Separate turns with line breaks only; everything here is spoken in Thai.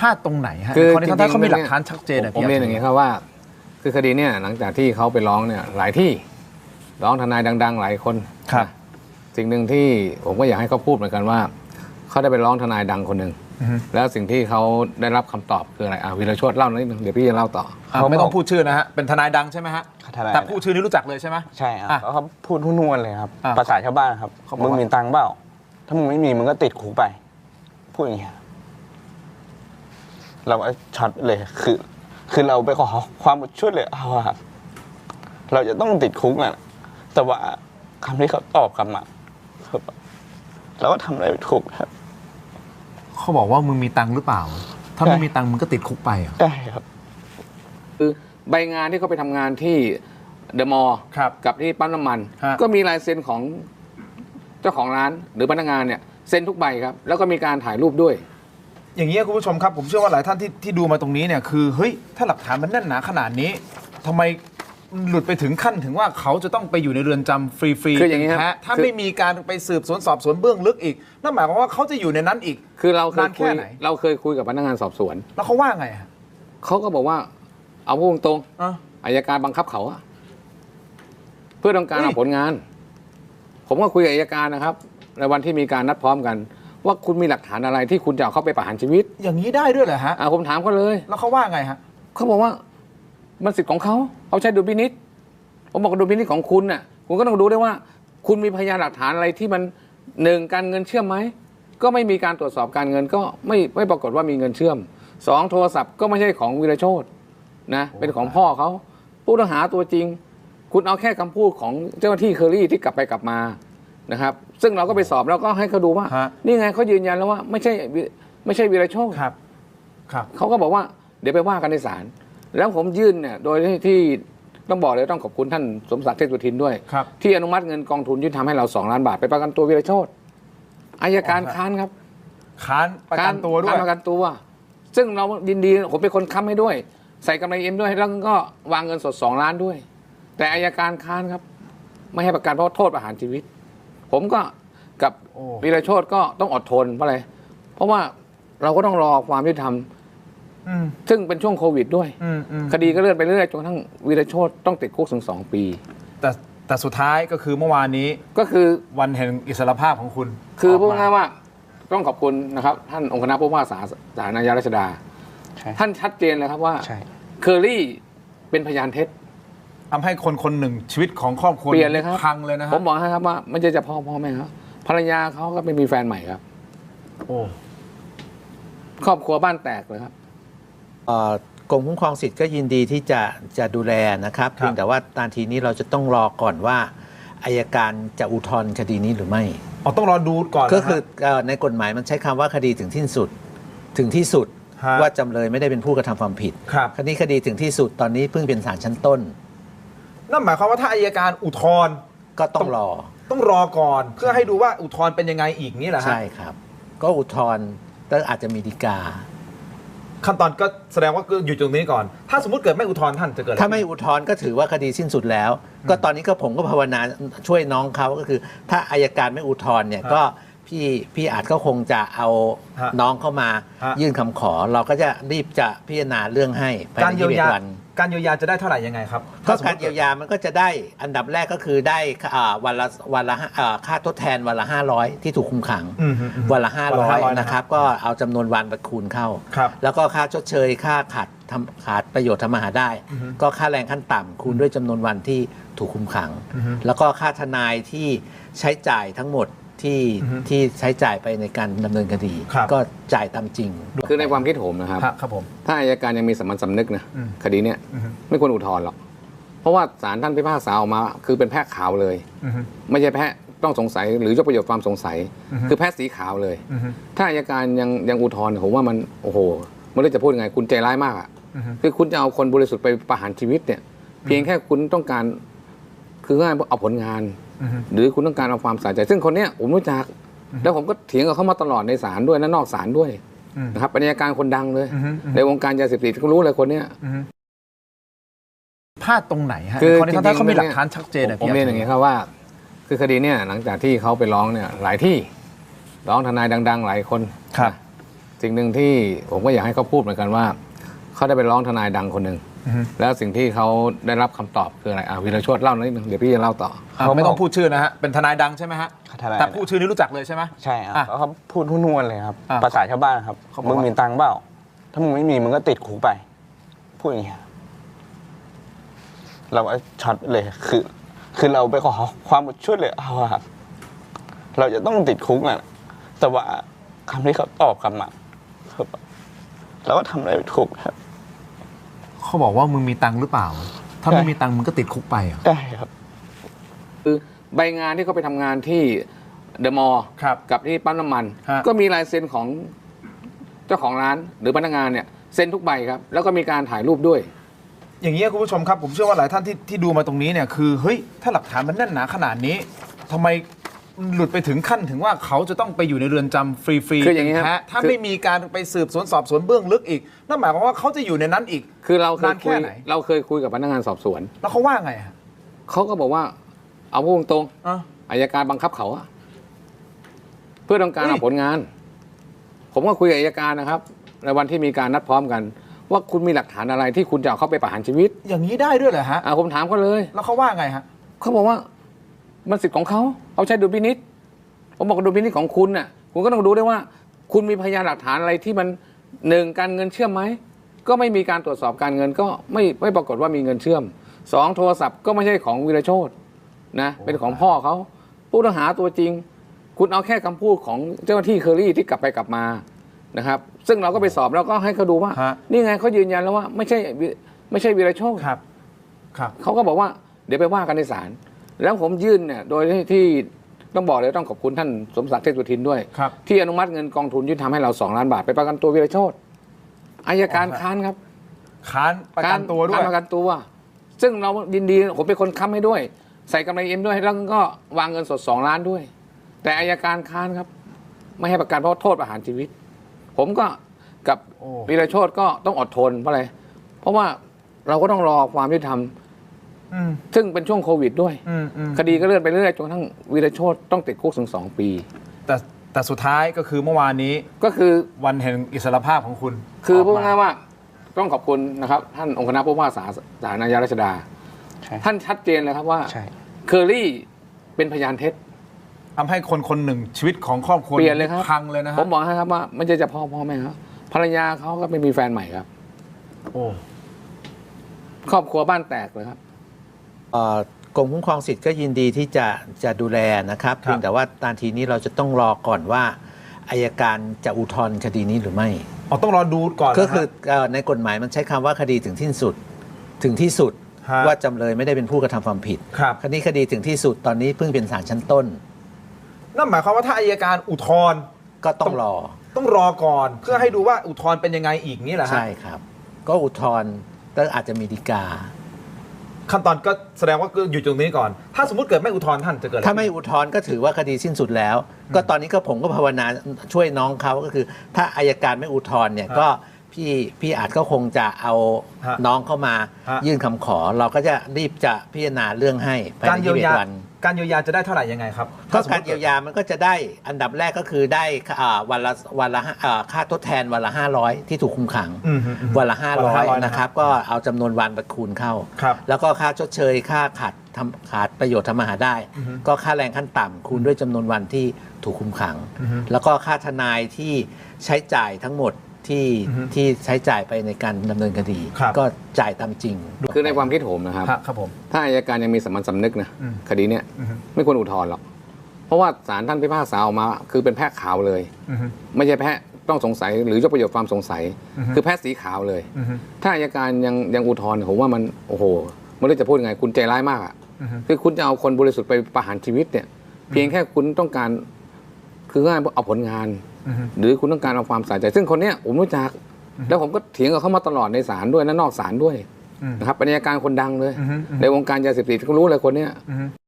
ลาดตรงไหนฮะคือจริงๆเขามีหลักฐานชัดเจน
ผมเรียนอย่างนี้ครับว่าคือคดีเนี่ยหลังจากที่เขาไปร้องเนี่ยหลายที่ร้องทนายดังๆหลายคน
ครับ
สิ่งหนึ่งที่ผมก็อยากให้เขาพูดเหมือนกันว่าเขาได้ไปร้องทนายดังคนหนึ่งแล้วสิ่งที่เขาได้รับคำตอบคืออะไรวีรโชติเล่านิดนึงเดี๋ยวพี่จะเล่าต่อ
ไม่ต้องพูดชื่อนะฮะเป็นทนายดังใช่ไหมฮะแต่พูดชื่อนี้รู้จักเลยใช่ไหม
ใช่ครับเขาพูดทุ่นๆเลยครับภาษาชาวบ้านครับมึงมีตังค์เปล่าถ้ามึงไม่มีมึงก็ติดคุกไปพูดอย่างเงี้ยเราช็อตเลยคือเราไปขอความช่วยเหลือเขาครับเราจะต้องติดคุกนะแต่ว่าคำที่เขาตอบกลับมาเราก็ทำอะไรไม่ถูกครับ
เขาบอกว่ามึงมีตังค์หรือเปล่าถ้าไม่มีตังค์มึงก็ติดคุกไป
ใช่ครับ
คือใบงานที่เขาไปทำงานที่เดอะมอลล์กับที่ปั๊มน้ำมันก็มีลายเซ็นของเจ้าของร้านหรือพนักงานเนี่ยเซ็นทุกใบครับแล้วก็มีการถ่ายรูปด้วย
อย่างนี้คุณผู้ชมครับผมเชื่อว่าหลายท่านที่ดูมาตรงนี้เนี่ยคือเฮ้ยถ้าหลักฐานมันแน่นหนาขนาดนี้ทำไมหลุดไปถึงขั้นถึงว่าเขาจะต้องไปอยู่ในเรือนจำฟรีๆ
คืออย่างนี้ครับ
ถ้าไม่มีการไปสืบสวนสอบสวนเบื้องลึกอีกนั่นหมายความว่าเขาจะอยู่ในนั้นอีก
คือเราเคยคุยกับพนักงานสอบสวน
แล้วเขาว่าไง
เขาก็บอกว่าเอาพูดตรงอัยการบังคับเขาเพื่อต้องการเอาผลงานผมก็คุยกับอัยการนะครับในวันที่มีการนัดพร้อมกันว่าคุณมีหลักฐานอะไรที่คุณจะเอาเข้าไปประหารชีวิต
อย่างนี้ได้ด้วยเหรอฮะ
ผมถามเขาเลย
แล้วเขาว่าไงฮะ
เขาบอกว่ามันสิทธิ์ของเขาใช้ดุลพินิจผมบอกดุลพินิจของคุณน่ะคุณก็ต้องดูด้วยว่าคุณมีพยานหลักฐานอะไรที่มันหนึ่งการเงินเชื่อมไหมก็ไม่มีการตรวจสอบการเงินก็ไม่ปรากฏว่ามีเงินเชื่อมสองโทรศัพท์ก็ไม่ใช่ของวีรโชตินะเป็นของพ่อเขาผู้ต้องหาตัวจริงคุณเอาแค่คำพูดของเจ้าหน้าที่เคอรี่ที่กลับไปกลับมานะครับซึ่งเราก็ไปสอบแล้วก็ให้เขาดูว่านี่ไงเขายืนยันแล้วว่าไม่ใช่วีรโชติ
ครับ
เขาก็บอกว่าเดี๋ยวไปว่ากันในศาลแล้วผมยื่นเนี่ยโดยที่ต้องบอกเลยต้องขอบคุณท่านสมศักดิ์เทพสุทินด้วยที่อนุมัติเงินกองทุนยุติธรรมให้เรา2 ล้านบาทไปประกันตัววีรโชติอัยการค้านครับ
ค้านประกันตัวด้วย
ประกันตัวซึ่งเรายินดีผมเป็นคนค้ำให้ด้วยใส่กำไรเอ็มด้วยแล้วก็วางเงินสด2 ล้านด้วยแต่อัยการค้านครับไม่ให้ประกันเพราะโทษประหารชีวิตผมก็กับวีรโชติก็ต้องอดทนเพราะอะไรเพราะว่าเราก็ต้องรอความยุติธรรมซึ่งเป็นช่วงโควิดด้วยคดีก็เลื่อนไปเรื่อยจนกระทั่งวีรโชติต้องติดคุกถึง2 ปี
แต่สุดท้ายก็คือเมื่อวานนี้
ก็คือ
วันแห่งอิสรภาพของคุณ
คือพูดง่ายว่าต้องขอบคุณนะครับท่านองค์คณะผู้ว่าศาลอาญารัชดาท่านชัดเจนเลยครับว่าเคอรี่เป็นพยานเท็จ
ทำให้คนหนึ่งชีวิตของครอบครัว
เปลี่ยนเลยครับ
พังเลยนะครับ
ผมบอกให้ครับว่าไม่ใช่จะพ่อแม่ครับภรรยาเขาก็ไปมีแฟนใหม่ครับครอบครัวบ้านแตกเลยครับ
กรมคุ้มครองสิทธิ์ก็ยินดีที่จะดูแลนะครับเพียงแต่ว่าตอนทีนี้เราจะต้องรอก่อนว่าอัยการจะอุทธรณ์คดีนี้หรือไม่
ต้องรอดูก่อน
ก็คือในกฎหมายมันใช้คำว่าคดีถึงที่สุดว่าจำเลยไม่ได้เป็นผู้กระทำความผิดคดีถึงที่สุดตอนนี้เพิ่งเป็นศาลชั้นต้น
นั่นหมายความว่าถ้าอัยการอุทธรณ์
ก็ต้อง
รอก่อนเพื่อให้ดูว่าอุทธรณ์เป็นยังไงอีกนี่แหละ
ใช่ครับก็อุทธรณ์แล้วอาจจะมีฎีกา
ขั้นตอนก็แสดงว่าอยู่ตรงนี้ก่อนถ้าสมมติเกิดไม่อุทธรณ์ท่านจะเกิด
ถ้าไม่อุทธรณ์ก็ถือว่าคดีสิ้นสุดแล้วก็ตอนนี้ผมก็ภาวนาช่วยน้องเขาก็คือถ้าอัยการไม่อุทธรณ์เนี่ยก็พี่อาจก็คงจะเอาน้องเข้ามายื่นคำขอเราก็จะรีบจะพิจารณาเรื่องให้ภายใน21 วัน
การเยียวยาจะได้เท่าไหร่ยังไงครับ
ก็การเยียวยามันก็จะได้อันดับแรกก็คือได้วันละค่าทดแทนวันละ500ที่ถูกคุมขังวันละ500นะครับก็เอาจำนวนวันไปคูณเข้าแล้วก็ค่าชดเชยค่าขาดประโยชน์ทำมาหาได้ก็ค่าแรงขั้นต่ำคูณด้วยจำนวนวันที่ถูกคุมขังแล้วก็ค่าทนายที่ใช้จ่ายทั้งหมดที่ใช้จ่ายไปในการดำเนินคดีก็จ่ายตามจริง
คือในความคิดผมนะครับถ้าอัยการยังมีสามัญสำนึกนะคดีเนี้ยไม่ควรอุทธรณ์หรอกเพราะว่าศาลท่านพิพากษาออกมาคือเป็นแพะขาวเลยไม่ใช่แพะต้องสงสัยหรือยกประโยชน์ความสงสัยคือแพะสีขาวเลยถ้าอัยการยังอุทธรณ์ผมว่ามันโอ้โหไม่รู้จะพูดยังไงคุณใจร้ายมากอ่ะคือคุณจะเอาคนบริสุทธิ์ไปประหารชีวิตเนี่ยเพียงแค่คุณต้องการคือง่ายเอาผลงานหรือคุณต้องการเอาความสะใจซึ่งคนเนี้ยผมรู้จักแล้วผมก็เถียงกับเขามาตลอดในศาลด้วยและนอกศาลด้วยนะครับเป็นอัยการคนดังเลยในวงการยาเสพติดก็รู้เลยคนเนี้ย
พลาดตรงไหนฮะคือจริงๆเขามีหลักฐานชัดเจน
ผมเรียนอย่างนี้ครับว่าคือคดีเนี่ยหลังจากที่เขาไปร้องเนี่ยหลายที่ร้องทนายดังๆหลายคนสิ่งหนึ่งที่ผมก็อยากให้เขาพูดเหมือนกันว่าเขาได้ไปร้องทนายดังคนหนึ่งแล้วสิ่งที่เขาได้รับคำตอบคืออะไรวีรโชติเล่าหน่อยนึงเดี๋ยวพี่จะเล่าต่อ
ไม่ต้องพูดชื่อนะฮะเป็นทนายดังใช่ไหมฮะ
ทนาย
แต่พูดชื่อนี้รู้จักเลยใช่ไหม
ใช่ครับ
อ่ะ
เขาพูดทุ่นๆเลยครับ
อ่ะ
ภาษาชาวบ้านครับ
เขาบอก
มึง
ว่า
มีตังค์เปล่าถ้ามึงไม่มีมึงก็ติดคุกไป พูดอย่างเงี้ยเราก็ช็อตเลยคือเราไปขอความช่วยเหลือเขาอะครับเราจะต้องติดคุกอ่ะแต่ว่าคำที่เขาตอบกลับมาคือเราก็ทำอะไรไม่ถูกครับ
เขาบอกว่ามึงมีตังค์หรือเปล่า ถ้าไม่มีตังค์มึงก็ติดคุกไปเหรอ
ได้ครับ
คือใบงานที่เขาไปทำงานที่เดอะมอลล์
ครับ
กับที่ปั๊มน้ำมัน
ฮะ
ก็มีลายเซ็นของเจ้าของร้านหรือพนักงานเนี่ยเซ็นทุกใบครับแล้วก็มีการถ่ายรูปด้วย
อย่างนี้ยคุณผู้ชมครับผมเชื่อว่าหลายท่านที่ดูมาตรงนี้เนี่ยคือเฮ้ยถ้าหลักฐานมันแน่นหนาขนาดนี้ทำไมหลุดไปถึงขั้นถึงว่าเขาจะต้องไปอยู่ในเรือนจำฟรีๆ
คืออย่างนี้ครับ
แท้ถ้า
คือ
ไม่มีการไปสืบสวนสอบสวนเบื้องลึกอีกนั่นหมายความว่าเขาจะอยู่ในนั้นอีก
คือเราเคย
นานแค่
คุย
ไหน
เราเคยคุยกับพนักงานสอบสวน
แล้วเขาว่าไงฮะ
เขาก็บอกว่าเอาพูดตรง
อ่ะ
ๆอัยการบังคับเขาอะเพื่อต้องการ
เฮ้ย
เอาผลงาน ผมก็คุยกับอัยการนะครับ ในวันที่มีการนัดพร้อมกัน ว่าคุณมีหลักฐานอะไรที่คุณจะเอาเขาไปประหารชีวิต
อย่างนี้ได้ด้วยเหรอฮะ
ผมถามเขาเลย
แล้วเขาว่าไงฮะ
เขาบอกว่ามันสิทธิ์ของเขาใช้ดุลพินิจผมบอกว่าดุลพินิจของคุณน่ะคุณก็ต้องดูด้วยว่า คุณมีพยานหลักฐานอะไรที่มันหนึ่งการเงินเชื่อมไหมก็ไม่มีการตรวจสอบการเงินก็ไม่ปรากฏว่ามีเงินเชื่อมสองโทรศัพท์ก็ไม่ใช่ของวีรโชตินะเป็นของพ่อเขาผู้ต้องหาตัวจริง คุณเอาแค่คำพูดของเจ้าหน้าที่เคอรี่ที่กลับไปกลับมานะครับ ซึ่งเราก็ไปสอบแล้วก็ให้เขาดูว่า
ฮะ
นี่ไงเขายืนยันแล้วว่าไม่ใช่วีรโชติ
ครับ ครับ
เขาก็บอกว่าเดี๋ยวไปว่ากันในศาลแล้วผมยื่นเนี่ยโดยที่ต้องบอกเลยต้องขอบคุณท่านสมศักดิ์เทพสุทินด้วย
ครับ
ที่อนุมัติเงินกองทุนยุติธรรมให้เรา2 ล้านบาทไปประกันตัววีรโชติอัยการค้านครับ
ค้านประกันตัวด้วย
ค้านประกันตัว ซึ่งเรายินดีผมเป็นคนค้ำให้ด้วย ใส่กำไรเอ็มด้วยแล้วก็วางเงินสด2 ล้านด้วย แต่อัยการค้านครับ ไม่ให้ประกันเพราะโทษประหารชีวิต ผมก็กับ
โอ้
วีรโชติก็ต้องอดทนเพราะอะไรเพราะว่าเราก็ต้องรอความยุติธรรม
อืม
ซึ่งเป็นช่วงโควิดด้วย
อืม
คดีก็เลื่อนไปเรื่อยๆจนกระทั่งวีรโชติต้องติดคุกถึง2 ปี
แต่สุดท้ายก็คือเมื่อวานนี้
ก็คือ
วันแห่งอิสรภาพของคุณ
คือ
ออก
พูด
มา
ง่ายๆว่าต้องขอบคุณนะครับ ท่านองค์คณะผู้ว่าศาลอาญารัชดา
ใช่
ท่านชัดเจนเลยครับว่า
ใช่
เคอรี่เป็นพยานเท็จ
ทำให้คนคนหนึ่งชีวิตของครอบครัว
เปลี่ยนเลยครับ
พังเลยนะฮะ
ผมบอกให้ครับว่าไม่ใช่จะพ่อแม่ครับภรรยาเขาก็ไม่มีแฟนใหม่ครับ
โอ้
ครอบครัวบ้านแตกเลยครับ
กรมคุ้มครองสิทธิ์ก็ยินดีที่จะดูแลนะครับเพียงแต่ว่าตอนทีนี้เราจะต้องรอก่อนว่าอัยการจะอุทธรณ์คดีนี้หรือไม่
อ๋อต้องรอดูก่อน
ก็คือ
นะฮะ
ในกฎหมายมันใช้คำว่าคดีถึงที่สุดถึงที่สุด
ฮะ
ว่าจำเลยไม่ได้เป็นผู้กระทำความผิด
ครับ
คดีถึงที่สุดตอนนี้เพิ่งเป็นศาลชั้นต้น
นั่นหมายความว่าถ้าอัยการอุทธรณ์
ก็ต้องรอ
ต้องรอก่อน เพื่อให้ดูว่าอุทธรณ์เป็นยังไงอีกนี่แหละฮะ
ใช่ครับ ก็อุทธรณ์แล้วอาจจะมีฎีกา
ขั้นตอนก็แสดงว่าก็อยู่ตรงนี้ก่อน ถ้าสมมติเกิดไม่อุทธรณ์ท่านจะเกิดอะไร
ถ้าไม่อุทธรณ์ก็ถือว่าคดีสิ้นสุดแล้ว ก็ตอนนี้ก็ผมก็ภาวนาช่วยน้องเขาก็คือ ถ้าอัยการไม่อุทธรณ์เนี่ยก็พี่อาจก็คงจะเอาน้องเข้ามายื่นคำขอ เราก็จะรีบจะพิจารณาเรื่องให้ภาย
การ
ใน
เยียวยา
21 วัน
การเยียวยาจะได้เท่าไหร่ยังไงครับ
ก็
ถ้สม
กา
มุ
ร
ติ
เยียวยามันก็จะได้อันดับแรกก็คือได้วันละค่าทดแทนวันละ500ที่ถูกคุมขัง
อืม
วันละ
วันละ
500นะครับก็เอาจำนวนวันไปคูณเข้า
ครับ
แล้วก็ค่าชดเชยค่าขาดประโยชน์ทำมาหาได้ ก็ค่าแรงขั้นต่ำคูณด้วยจำนวนวันที่ถูกคุมขัง แล้วก็ค่าทนายที่ใช้จ่ายทั้งหมดที่ใช้จ่ายไปในการดำเนินคดี
ครับ
ก็จ่ายตามจริง
คือในความคิดผมนะครับ
ครับผม
ถ้าอัยการยังมีสามัญสำนึกนะ
อืม
คดีเนี้ย
อือฮึ
ไม่ควรอุทธรณ์หรอกเพราะว่าศาลท่านพิพากษาออกมาคือเป็นแพะขาวเลย
อือฮึ
ไม่ใช่แพะต้องสงสัยหรือยกประโยชน์ความสงสัย
อือฮึ
คือแพะสีขาวเลย
อือฮึ
ถ้าอัยการยังอุทธรณ์ผมว่ามันโอ้โหไม่รู้จะพูดยังไงคุณใจร้ายมากอ่ะ
อือฮึ
คือคุณจะเอาคนบริสุทธิ์ไปประหารชีวิตเนี่ย เพียงแค่คุณต้องการคือง่ายเอาผลงาน
อือฮึ
หรือคุณต้องการเอาความใส่ใจ ซึ่งคนเนี้ยผมรู้จัก แล้วผมก็เถียงกับเขามาตลอดในศาลด้วยและนอกศาลด้วย
อืม
นะครับเป็นอัยการคนดังเลย
อือฮึ
ในวงการยาเสพติดเขารู้เลยคนเนี้ย
อือฮึ